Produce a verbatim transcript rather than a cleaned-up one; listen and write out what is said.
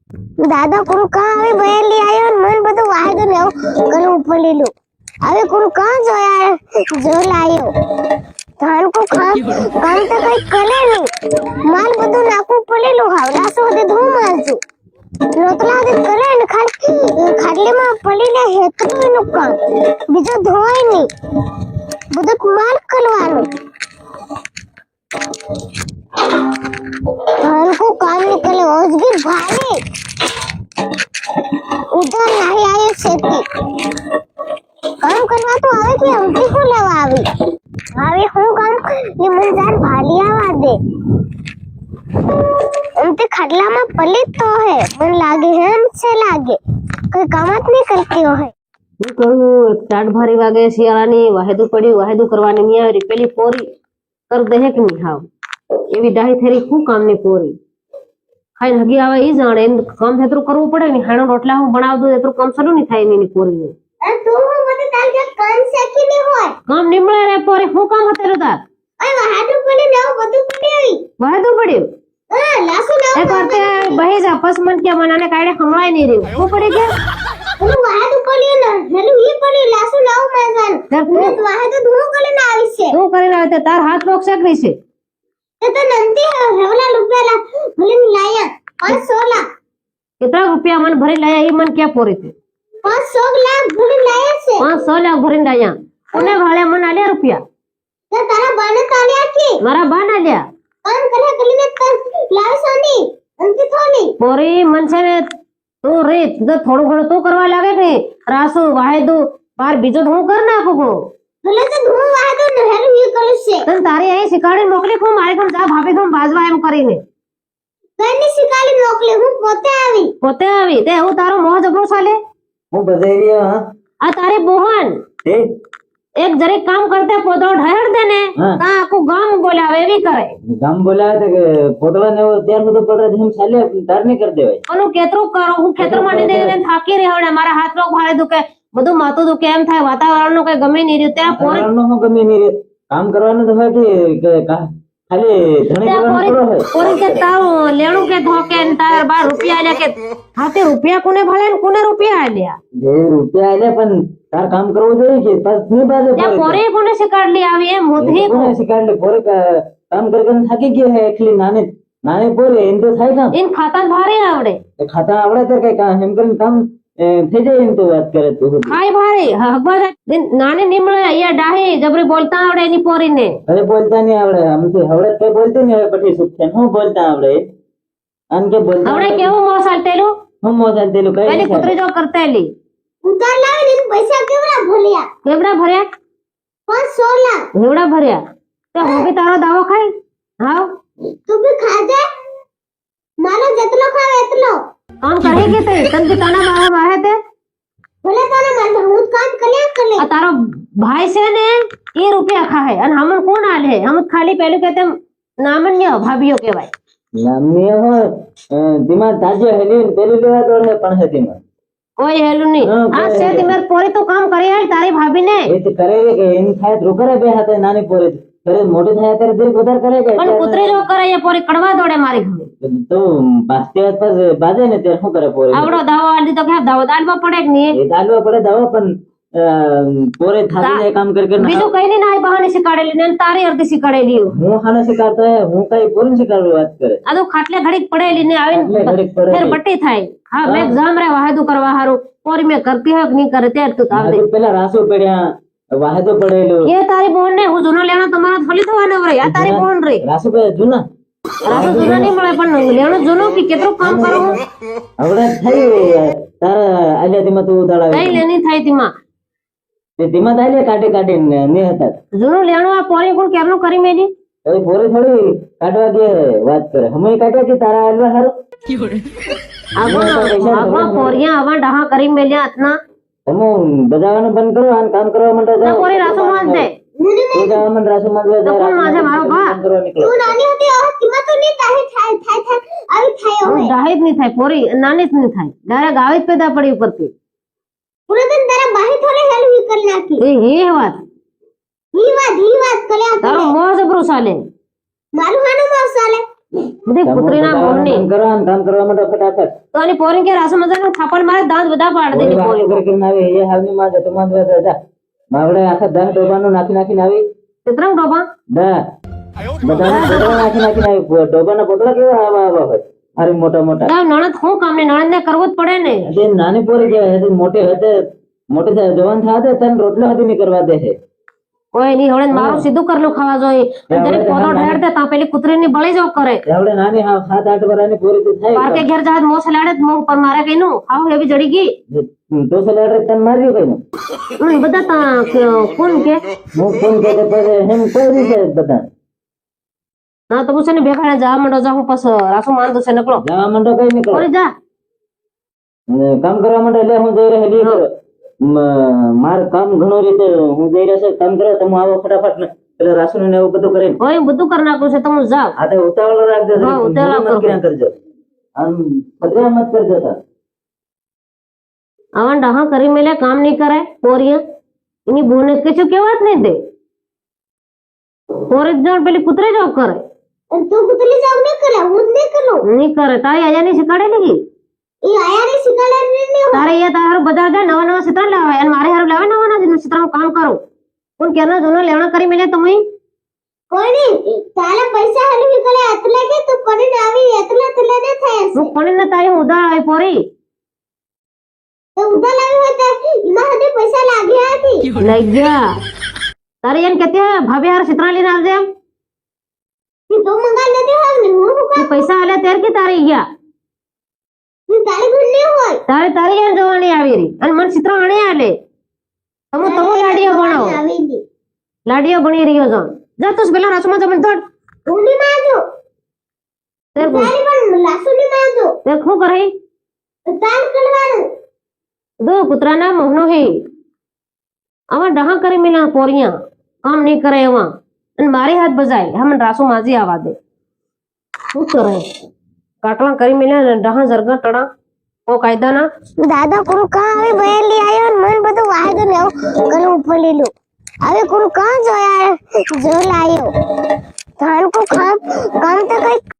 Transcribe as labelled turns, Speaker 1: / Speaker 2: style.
Speaker 1: દાદા કોણ કા હવે બયેલી આયો ને મન બધું વાયદો ને કરવું પડેલું હવે કોણ કા જોયા જો લાયો ધાન કો કામ કામ તો કઈ કરે નહીં માલ બધું નાખવું પડેલું હાવલા સો દે ધો મારજો રોટલા દે કરે ને ખાલી ખાટલીમાં પડીને હેતરું એનું કામ બીજું ધોવાય નહીં બધું માલ કરવાનું ધાન को काम निकले औजगी भारे उधर नहीं आए सेती काम करवा तो आवे कि हमती को लेवा आवी आवे હું કામ ये मन जान भाली आवा दे हमते खडलाમાં पलित तो है मन लागे है हमसे लागे कोई काम જ नहीं करती हो है
Speaker 2: હું કહું ચાટ ભારી વાગે શિયાળાની વાહેદુ પડી વાહેદુ કરવાની ની આવી પેલી પોરી કર દે કે નહીં હાવ એવી ડાહી થેરી શું કામની પોરી ખાઈને હગી આવે ઈ જાણે એમ કામ એટલું કરવું પડે ને હાણો રોટલા હું બનાવ દઉં એટલું કામ સરું નહીં થાય એની પોરીને
Speaker 1: અરે તું મને તાર જે કામ શેકી ને હોય
Speaker 2: કામ નિમળે રે પોરી શું કામ હતેરું તાર
Speaker 1: અરે વાહાડું પડી ને બધું પડી
Speaker 2: વાહેદુ પડ્યું
Speaker 1: અ લાસુ ને
Speaker 2: એ કરતે બહી જા પસ મન કે મનાને કાઢે હમણાય નહીં રહ્યું શું પડી ગયા
Speaker 1: હું વાહાડું પડ્યું ને હેલું ઈ પડ્યું લાસુ લાવ માગન હું વાહાડું ધૂળ કરીને આવી છે
Speaker 2: શું કરીને આવે તાર હાથ પગ શેકરી છે
Speaker 1: તે તો નંતી હેવલા રૂપિયા ભલે લાયા પાંચસો લાખ
Speaker 2: કેટલા રૂપિયા મને ભરી લાયા ઈ મને ક્યાં પોરી છે
Speaker 1: પાંચસો લાખ ભલે લાયા છે
Speaker 2: પાંચસો લાખ ભરીને લાયા કોને ભાળે મને આલ્યા રૂપિયા
Speaker 1: તે તારા બાને તાલ્યા કે
Speaker 2: મારા બાન આલ્યા
Speaker 1: કામ કરે કરીને લાવસો ની અંતી થોની
Speaker 2: પોરી મન છે ને તું રે તો થોડું ઘણું તું કરવા લાગે કે રાસુ વાહેદુ બાર બીજો હું કર નાખું
Speaker 1: ભલે તો ધૂળ વાહાડું ને હેલું ઈ કરું છે
Speaker 2: તને તારી અહીં શીખવાડી મોકલી હું મારે ઘર જા ભાભી ઘર બાજવા એમ કરીને
Speaker 1: કઈની શીખાલી મોકલે હું પોતે આવી
Speaker 2: પોતે આવી તે હું તારો મોહ જબરો ચાલે
Speaker 3: હું બધાઈ રહ્યો હા
Speaker 2: આ તારી બોહન
Speaker 3: તે
Speaker 2: એક જરીક કામ કરતે પોતો ઢહેર દે ને
Speaker 3: હા.
Speaker 2: તા આખું ગામ બોલાવે એવી કરે
Speaker 3: ગામ બોલાવે તો કે પોતળા ને ત્યાર બધું પડ રહે हम ચાલે તાર નહીં કર દેવાય
Speaker 2: ઓનું કેતરું કરો હું ખેતર માં દે દે થાકી રહ્યો ને મારા હાથ પગ ભારે દુખે બધું માથું દુખે એમ થાય વાતાવરણ નું કઈ ગમે નહીં રહ્યું ત્યાં પોરી
Speaker 3: વાતાવરણનો હું ગમે નહીં રે. કામ કરવાનું તો હોય કે કે કા- ખાલી ધણી
Speaker 2: ત્યાં
Speaker 3: કરવાનું થોડો
Speaker 2: પોરી
Speaker 3: હોય
Speaker 2: પોરી કે તારું લેણું કે ધોકે ને તાર બાર રૂપિયા આલ્યા કે હા તે રૂપિયા કોને ભાળે ને કોને રૂપિયા આલ્યા
Speaker 3: જે રૂપિયા આલે પણ તાર કામ કરવું જોઈએ કે બસ નહીં બાજે
Speaker 2: ત્યાં પોરી કોને શીખવાડલી આવી એમ મોધી
Speaker 3: કોને શીખવાડે પોરે કા- કામ કરી કરીને થાકી ગયો હે એકલી નાની નાની પોરે એમ તો થાય કામ
Speaker 2: એને ખાતા ભારે આવડે
Speaker 3: એ ખાતા આવડે તો કઈ કામ એમ કરીને કામ એ, થઈ જાય એમ તો વાત કરે તું
Speaker 2: ખાય ભારે હગવા જાય નાને નીમળે અહીંયા ડાહી જબરી બોલતા આવડે એની પોરીને
Speaker 3: અરે બોલતા નહીં આવડે આમ તો હવડે કઈ બોલતી નહીં હવે પછી સુખ છે હું બોલતા આવડે આમ કે બોલતા
Speaker 2: આવડે
Speaker 3: આવડે?
Speaker 2: કેવું મોં ચાલતેલું
Speaker 3: હું મોજા દેલું કઈ
Speaker 2: પેલી
Speaker 3: નહીં
Speaker 2: કૂતરી જો કરતેલી
Speaker 1: ઉતાર લાવી ને પૈસા કેવડા ભર્યા
Speaker 2: કેવડા ભર્યા
Speaker 1: પાંચસો લાખ
Speaker 2: એવડા ભર્યા તો હું બી તારો દાવો ખાઈ હાવ
Speaker 1: તું બી ખાજે મારો જેટલો ખાવ એટલો
Speaker 2: કામ કરે કે તે તન કે તાના બાવા બાહે તે
Speaker 1: ભલે તને મારે હું જ કામ કર્યા કરે
Speaker 2: આ તારો ભાઈ છે ને એ રૂપિયા ખાય અને હમણ કોણ આલે હમ ખાલી પેલું કે તેમ નામન્ય ભાભીઓ કહેવાય
Speaker 3: નામી હોય દિમાગ તાજો હેલી પેલું લેવા દોડે પણ હે દિમાગ
Speaker 2: કોઈ હેલું નહીં
Speaker 3: હા,
Speaker 2: આ
Speaker 3: કોઈ
Speaker 2: છે
Speaker 3: હેલું.
Speaker 2: તિમર પોરી તો કામ કરી આલ તારી ભાભીને
Speaker 3: એ તો કરે રે કે એની થાય તો કરે બે હાથે નાની પોરે કરે મોટી થાય ત્યારે દરેક વધારે કરે કે
Speaker 2: પણ કૂતરી જો કરે એ પોરી કડવા દોડે મારી ઘરે
Speaker 3: તો બાસ્તે આસપાસ બાજે ને ત્યારે શું કરે પોરે
Speaker 2: આવડો દાવો આલી તો કે દાવો દાલવા પડે કે નહીં
Speaker 3: એ દાલવા પડે દાવા પણ અ, પોરે થાકી જાય કામ કરી કરીને
Speaker 2: બીજું કઈ નહીં ના બહાને શીખવાડેલી ને તારી અડધી શીખવાડેલી
Speaker 3: હું હાને શીખાડતો હે હું કઈ પોરે શીખાડું વાત કરે
Speaker 2: આ તો ખાટલે ઘડીક પડેલી ને
Speaker 3: એટલે
Speaker 2: આવીને
Speaker 3: ઘડીક પડેલી.
Speaker 2: ફેર બટ્ટી થાય હા મેં એક્ઝામ રે વાહેદુ કરવા હારું પોરી મેં કરતી હોય કે નહીં કરે ત્યારે તું આવજે
Speaker 3: હજુ પેલા રાસુ પડ્યા વાહેદો પડેલું
Speaker 2: એ તારી બોન ને હું જૂનો લેણો તમારા થોડી થવાનો રે આ તારી બોન રે
Speaker 3: રાસુ પડ્યા જૂના
Speaker 2: રાસુ જૂનો નહીં મળે પણ લેણો જૂનો કે કેટલું કામ કરું
Speaker 3: હવે થઈ તારા આલ્યા ધીમા તું ઉતાળાવે
Speaker 2: કઈ લેની થાય તેમાં
Speaker 3: તે ધીમા થાય કાઢી કાઢીને ને હતા
Speaker 2: જૂનું લેણું આ પોરી કોણ કેમનું કરી મેલી
Speaker 3: હવે પોરે થોડી કાઢવા દે વાત કરે અમે કાઢ્યા કે તારા આલવા હારું
Speaker 2: આગળ આગળ પોરિયા આવા ડહા કરી મેલ્યા હાથના
Speaker 3: તમે બજાવવાનું બંધ કરો અને કામ કરવા માટે
Speaker 2: ના
Speaker 3: જાઓ
Speaker 2: પોરી રાસુ માં દે
Speaker 3: તું જવા મને રાસુ માંગવા
Speaker 2: તો
Speaker 3: જાય
Speaker 2: કોણ માથે મારો ભા?
Speaker 3: કામ કરવા નીકળો
Speaker 1: તું નાની હતી હવે કિંમત તો નહીં થાય થાય થાય થાય આવી થાય હવે
Speaker 2: ડાહી જ નહીં થાય પોરી નાની જ નહીં થાય ડાયરેક્ટ આવી જ પેદા પડી ઉપરથી
Speaker 1: પૂરે દિન તારા બાહી થોડે હેલ્પ કરી નાખી
Speaker 2: એ એ વાત
Speaker 1: ઈ વાત ઈ વાત કર્યા
Speaker 2: તારો મોહ જબરું ચાલે
Speaker 1: મારું હાનું મોસ ચાલે
Speaker 2: બધી કૂતરીના મોહની
Speaker 3: કામ કરવા ને કામ કરવા માટે ફટાફટ
Speaker 2: તો આની પોરી કે રાસો મજાનું થાપણ મારે દાંત બધા પાડી દેની પોરી
Speaker 3: વાતો કરીને આવી એ હાલની માં જતો માં જા માવડે આખા દાન ડોબાનું નાખી નાખીને આવી
Speaker 2: ચિત્રમ ડોબા
Speaker 3: દા બધાને પોટલા નાખી નાખીને આવી ડોબાના પોટલા કેવા આવા આવા હોય અરે મોટા મોટા
Speaker 2: ના નણદ હું કામ ને નણદ ને કરવું જ પડે ને
Speaker 3: તે નાની પોરી જે હે મોટે હતે મોટે જવાન થાતે તન રોટલા હતી નહીં કરવા દે છે
Speaker 2: કોઈ નહીં હવે મારું સીધું કરલું ખાવા જોઈએ જરી પોતો ઢેર દે તા પેલી કૂતરીની બળી જો કરે
Speaker 3: આવડે નાની હા સાત આઠ વર્ષની પોરી તું થાય
Speaker 2: પાર કે ઘેર જાત મોસ લાડે મો ઉપર મારે કઈનું આવ એવી જડી ગઈ
Speaker 3: તો સલાડે તન માર્યું કઈનું
Speaker 2: હમ બધા તા કોણ કે
Speaker 3: હું ફોન કરે પછી હેમ કોઈ રીતે બધા
Speaker 2: ના તો પૂછે ને ભેગા જા મંડો જા હું પસ રાસુ માંદો છે નકળો
Speaker 3: જવા માંડો કઈ નીકળો
Speaker 2: ઓરી જા
Speaker 3: ને કામ કરવા માંડે એટલે હું જઈ રહેલી માર કામ ઘણો રીતે હું જઈ રહ્યો છે કામ કરો તમે આવો ફટાફટ ને પેલા રાસુ ને એવું બધું કરીને
Speaker 2: ઓય બધું કરી નાખું છે તમે જાવ
Speaker 3: આ તો ઉતાવળ રાખજો
Speaker 2: હા, ઉતાવળ
Speaker 3: મત ક્યાં કરજો આમ ફતરા મત કરજો તા
Speaker 2: આવા ડહા કરી મેલે કામ નહીં કરે પોરિયા એની બોને કશું કેવાત નહીં દે પોરે જણ પેલી કૂતરે જોબ કરે
Speaker 1: અને તું કુતરી જાવ ન કરે હું જ નહીં કરું
Speaker 2: નહીં કરે તારી આજાની શીખવાડેલી
Speaker 1: એ આયા ને શીખવાડે નહીં
Speaker 2: તારે અહીંયા તારું બધા જાય નવા નવા ચિત્ર લાવે અને મારે હારું લાવે નવા નવા ચિત્રનું કામ કરું પણ કેના જૂનો લેવણા કરી મેલે તમે
Speaker 1: કોઈ નહીં તારા પૈસા હલવી કરે એટલે કે તું પડીને આવી એટલે એટલે ને થાય છે
Speaker 2: હું કોને ને તારી ઉધા આવી પોરી
Speaker 1: તો ઉધા લાવી હોય તો એમાં હદે પૈસા લાગ્યા હતી
Speaker 2: લઈ ગયા તારે એમ કેતી હે ભાભી હાર ચિત્ર લઈને આવજે એમ
Speaker 1: કે તું મંગા નથી હોય ને હું હું
Speaker 2: તું પૈસા આલે ત્યાર કે તારી ગયા
Speaker 1: તું તારી ગુણ નહીં હોય
Speaker 2: તારે તારી એમ જોવાની આવી રહી અને મને ચિત્ર આણે આલે તમે તમે લાડીઓ ભણો
Speaker 1: આવી ગઈ
Speaker 2: લાડીઓ ભણી રહ્યો છો જા તું પેલા રાસુમાં જમીન થોડ
Speaker 1: ઊંડી માજો
Speaker 2: તેર
Speaker 1: તારી પણ લાસુની માજો
Speaker 2: તે શું કરે
Speaker 1: તાર કરવાનું
Speaker 2: દો કૂતરાના મોહનો હે આવા ડહા કરી મેલા પોરિયા કામ નહીં કરે એવા અને મારી હાથ બજાય હમણ રાસુ માજી આવા દે શું કરે કાટલા કરી મેલા ડહા જરગા ટડા ઓ કાયદાના
Speaker 1: દાદા કોનું કાં હવે બહેલી આવ્યો ને મન બધું વાયદો ને એવું કરવું પડેલું હવે કોનું કાં જોયા જો લાયો ધાન કો કામ કામ તો કઈ